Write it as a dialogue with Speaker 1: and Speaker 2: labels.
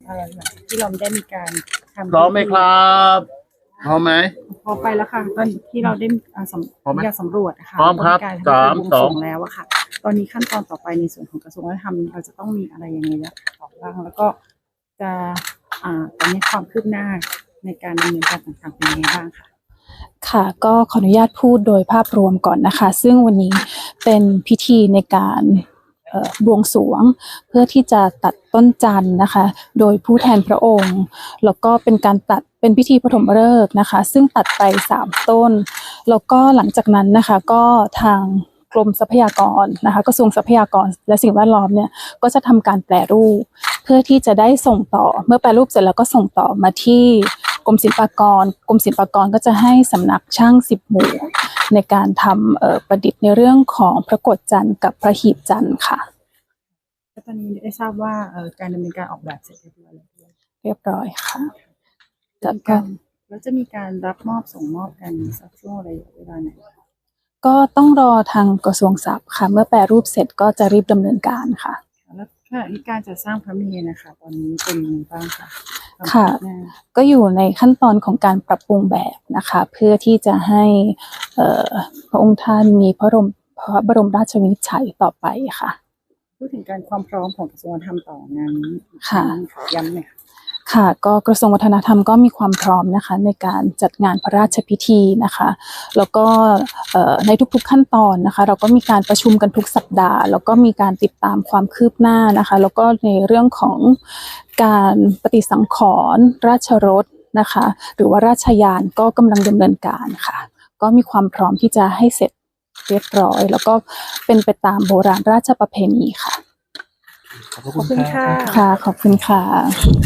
Speaker 1: ที่เราได้มีการทำ
Speaker 2: พร้อมไหมครับพร้อมไหม
Speaker 1: พอไปแล้วค่ะตอนที่เราได้
Speaker 2: พร้อมไหม
Speaker 1: อยากสำรวจนะคะ
Speaker 2: พร้อมครับ
Speaker 1: การ
Speaker 2: สาม
Speaker 1: บวง
Speaker 2: ส
Speaker 1: ส
Speaker 2: อ
Speaker 1: รง วงแล้วอะค่ะ ตอนนี้ขั้นตอนต่อไปในส่วนของกระทรวงวัฒนธรรมเราจะต้องมีอะไรยังไงต่อบ้างแล้วก็จะตอนนี้ความคืบหน้าในการดำเนินการต่างๆเป็นยังไงบ้างค่ะ
Speaker 3: ค่ะก็ขออนุญาตพูดโดยภาพรวมก่อนนะคะซึ่งวันนี้เป็นพิธีในการบวงสรวงเพื่อที่จะตัดต้นจันทร์นะคะโดยผู้แทนพระองค์แล้วก็เป็นการตัดเป็นพิธีปฐมฤกษ์นะคะซึ่งตัดไป3ต้นแล้วก็หลังจากนั้นนะคะก็ทางกรมทรัพยากรนะคะกระทรวงทรัพยากรและสิ่งแวดล้อมเนี่ยก็จะทำการแปรรูปเพื่อที่จะได้ส่งต่อเมื่อแปรรูปเสร็จแล้วก็ส่งต่อมาที่กรมศิลปากรก็จะให้สำนักช่าง10หมู่ในการทำประดิษฐ์ในเรื่องของพระโกฐจันทร์กับพระหีบจันทร์ค่ะ
Speaker 1: ตอนนี้ได้ทราบว่าการดำเนินการออกแบบเสร็จเรียบร้อยแล้ว
Speaker 3: เรียบร้อยค่ะ
Speaker 1: แล้วจะมีการรับมอบส่งมอบกันสักช่วงอะไรเวลาไหน
Speaker 3: ก็ต้องรอทางกระทรวงทรัพย์ค่ะเมื่อแปรรูปเสร็จก็จะรีบดำเนินการค่ะ
Speaker 1: แล้วขณะที่การจะสร้างพระเมรุนะคะตอนนี้เป็นยังไงบ้างคะ
Speaker 3: ค่ะก็อยู่ในขั้นตอนของการปรับปรุงแบบนะคะเพื่อที่จะให้พระองค์ท่านมีพระบรมราชวินิจฉัยต่อไปค่ะ
Speaker 1: พูดถึงการความพร้อมของกระทรวงวัฒนธรรมต่องานนี้
Speaker 3: ค่ะ
Speaker 1: ย้ำหน่อย
Speaker 3: ค่ะก็กระทรวงวัฒนธรรมก็มีความพร้อมนะคะในการจัดงานพระราชพิธีนะคะแล้วก็ในทุกๆขั้นตอนนะคะเราก็มีการประชุมกันทุกสัปดาห์แล้วก็มีการติดตามความคืบหน้านะคะแล้วก็ในเรื่องของการปฏิสังขรณ์ราชรถนะคะหรือว่าราชยานก็กำลังดำเนินการค่ะก็มีความพร้อมที่จะให้เสร็จเรียบร้อยแล้วก็เป็นไปตามโบราณราชประเพณีค่ะ
Speaker 1: ขอบคุณค่ะ
Speaker 3: ค่ะขอบคุณค่ะ